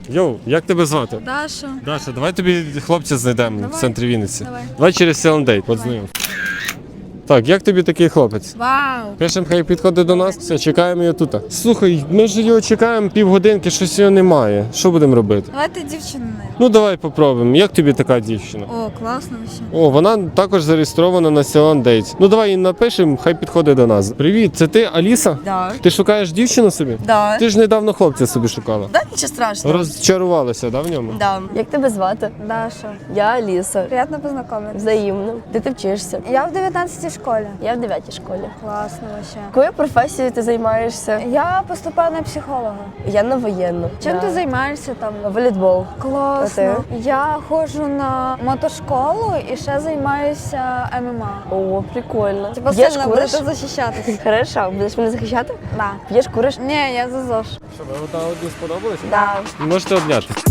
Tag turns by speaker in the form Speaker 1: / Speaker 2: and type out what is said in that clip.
Speaker 1: Йоу, як тебе звати?
Speaker 2: Даша.
Speaker 1: Даша, давай тобі хлопця знайдемо в центрі Вінниці.
Speaker 2: Давай.
Speaker 1: Через Селендей, подзвонимо. Так, як тобі такий хлопець?
Speaker 2: Вау.
Speaker 1: Пишемо, хай підходить до нас, все, чекаємо його тут. Слухай, ми ж його чекаємо півгодинки, щось його немає. Що будемо робити?
Speaker 2: Давайте дівчину не.
Speaker 1: Ну давай попробуємо. Як тобі така дівчина?
Speaker 2: О, класно вообще.
Speaker 1: О, вона також зареєстрована на Ceylon Dates. Ну давай їй напишемо, хай підходить до нас. Привіт, це ти, Аліса?
Speaker 3: Да.
Speaker 1: Ти шукаєш дівчину собі?
Speaker 3: Да.
Speaker 1: Ти ж недавно хлопця собі шукала.
Speaker 3: Да, нічого страшного.
Speaker 1: Розчарувалася, да, в ньому?
Speaker 3: Да.
Speaker 4: Як тебе звати?
Speaker 2: Даша.
Speaker 4: Я Аліса.
Speaker 2: Приємно познайомитися.
Speaker 4: Взаємно. Де ти вчишся?
Speaker 2: Я в 19-й школі.
Speaker 4: Я в 9-й школі.
Speaker 2: Класно вообще.
Speaker 4: Якою професією ти займаєшся?
Speaker 2: Я поступаю на психолога.
Speaker 4: Я на воєнну.
Speaker 2: Чим
Speaker 4: Да.
Speaker 2: ти займаєшся там?
Speaker 4: Волейбол.
Speaker 2: Класно.
Speaker 4: А
Speaker 2: Я ходжу на мотошколу і ще займаюся ММА.
Speaker 4: О, прикольно.
Speaker 2: Типа
Speaker 4: П'єш,
Speaker 2: сильно
Speaker 4: куриш?
Speaker 2: будете захищатися.
Speaker 4: Хорошо, будеш мене захищати?
Speaker 2: Да.
Speaker 4: П'єш, куриш?
Speaker 2: Ні, я за ЗОЖ.
Speaker 1: Що, ви одна одній сподобалися?
Speaker 2: Да.
Speaker 1: Можете обняти.